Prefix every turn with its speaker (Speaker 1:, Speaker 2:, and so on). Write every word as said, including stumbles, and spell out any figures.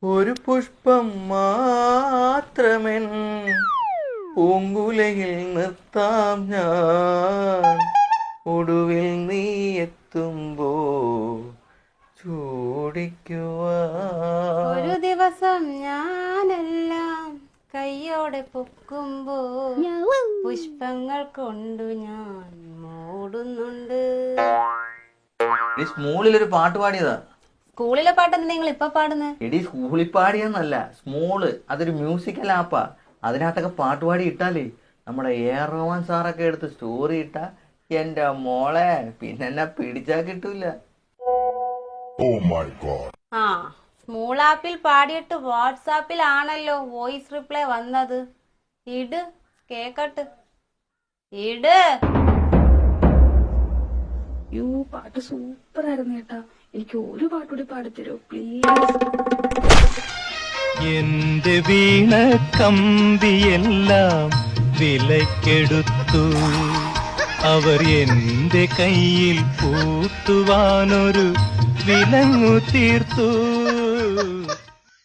Speaker 1: ഒരു പുഷ്പം മാത്രമെൻ പൂങ്കുലയിൽ നിർത്താം ഞാൻ, ഒടുവിൽ നീ എത്തുമ്പോ ചൂടിക്കുവാൻ.
Speaker 2: ഒരു ദിവസം ഞാനെല്ലാം കയ്യോടെ പൊക്കുമ്പോ പുഷ്പങ്ങൾ കൊണ്ടു ഞാൻ മൂടുന്നുണ്ട്.
Speaker 1: നീ സ്മൂളിലൊരു പാട്ട് പാടിയതാ.
Speaker 2: സ്കൂളിലെ പാട്ടെന്താ നിങ്ങൾ ഇപ്പൊ പാടുന്നത്?
Speaker 1: എടി സ്കൂളിൽ പാടിയെന്നല്ല, സ്മോള് അതൊരു മ്യൂസിക്കൽ ആപ്പാ. അതിനകത്തൊക്കെ പാട്ടുപാടി ഇട്ടാലേ നമ്മുടെ എ ആർ റഹ്മാൻ സാറൊക്കെ എടുത്ത് സ്റ്റോറി ഇട്ടാ എന്റെ മോളെ പിന്നെ എന്നെ പിടിച്ചാ കിട്ടൂല.
Speaker 2: ആ സ്മൂൾ ആപ്പിൽ പാടിയിട്ട് വാട്സാപ്പിൽ ആണല്ലോ വോയിസ് റിപ്ലൈ വന്നത്. ഇട് കേക്കട്ട്, ഇട്.
Speaker 3: യൂ പാട്ട് സൂപ്പർ ആയിരുന്നു കേട്ടാ. എനിക്ക് ഒരു പാട്ടുകൂടി പാടിത്തരോ പ്ലീസ്?
Speaker 4: എന്റെ വീണ കമ്പിയെല്ലാം വിലക്കെടുത്തു അവർ, എന്റെ കയ്യിൽ പൂട്ടുവാനൊരു വിലങ്ങു തീർത്തു.